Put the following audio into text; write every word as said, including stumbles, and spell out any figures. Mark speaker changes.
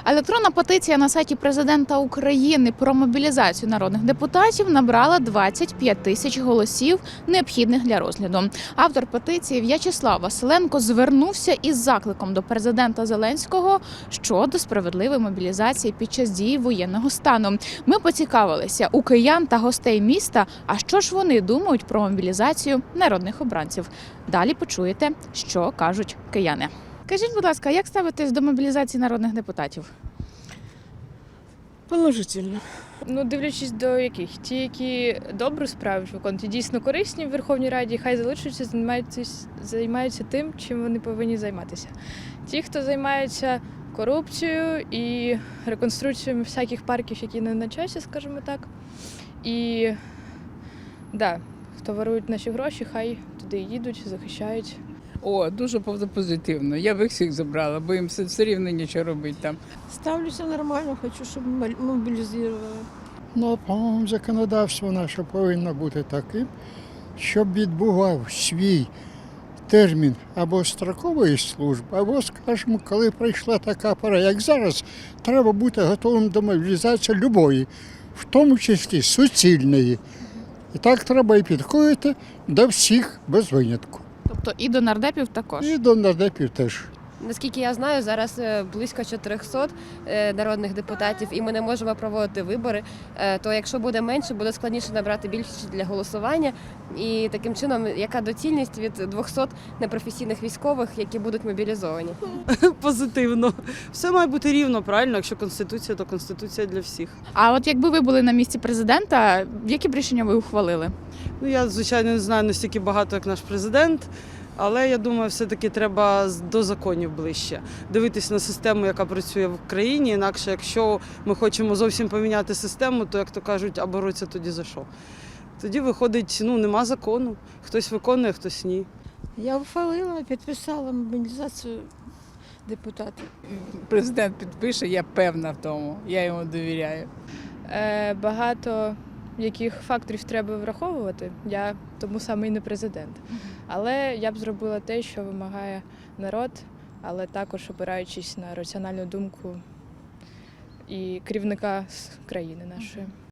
Speaker 1: Електронна петиція на сайті президента України про мобілізацію народних депутатів набрала двадцять п'ять тисяч голосів, необхідних для розгляду. Автор петиції В'ячеслав Василенко звернувся із закликом до президента Зеленського щодо справедливої мобілізації під час дії воєнного стану. Ми поцікавилися у киян та гостей міста, а що ж вони думають про мобілізацію народних обранців. Далі почуєте, що кажуть кияни. Кажіть, будь ласка, як ставитесь до мобілізації народних депутатів?
Speaker 2: Положительно.
Speaker 3: Ну, дивлячись до яких. Ті, які добру справу виконують, і дійсно корисні в Верховній Раді, хай залишаться, займаються, займаються тим, чим вони повинні займатися. Ті, хто займається корупцією і реконструкцією всяких парків, які не на часі, скажімо так, і да, хто ворують наші гроші, хай туди їдуть, захищають.
Speaker 4: О, дуже позитивно. Я б їх всіх забрала, бо їм все, все рівно нічого робити там.
Speaker 2: Ставлюся нормально, хочу, щоб мобілізували.
Speaker 5: Ну, по-моєму, законодавство наше повинно бути таким, щоб відбував свій термін або строкової служби, або, скажімо, коли прийшла така пора, як зараз, треба бути готовим до мобілізації любої, в тому числі суцільної. І так треба і підходити до всіх без винятку.
Speaker 1: Тобто і до нардепів також?
Speaker 5: І до нардепів теж.
Speaker 6: Наскільки я знаю, зараз близько чотирьохсот народних депутатів, і ми не можемо проводити вибори. То якщо буде менше, буде складніше набрати більшість для голосування. І таким чином, яка доцільність від двохсот непрофесійних військових, які будуть мобілізовані?
Speaker 2: Позитивно. Все має бути рівно, правильно? Якщо Конституція, то Конституція для всіх.
Speaker 1: А от якби ви були на місці президента, які б рішення ви ухвалили?
Speaker 2: Ну, я, звичайно, не знаю настільки багато, як наш президент, але я думаю, все-таки треба до законів ближче. Дивитись на систему, яка працює в країні, інакше, якщо ми хочемо зовсім поміняти систему, то, як то кажуть, а боротися тоді за що? Тоді виходить, ну, нема закону. Хтось виконує, хтось ні.
Speaker 7: Я ухвалила, підписала мобілізацію депутатів.
Speaker 4: Президент підпише, я певна в тому, я йому довіряю.
Speaker 3: Е, багато яких факторів треба враховувати, я тому саме і не президент. Але я б зробила те, що вимагає народ, але також опираючись на раціональну думку і керівника з країни нашої.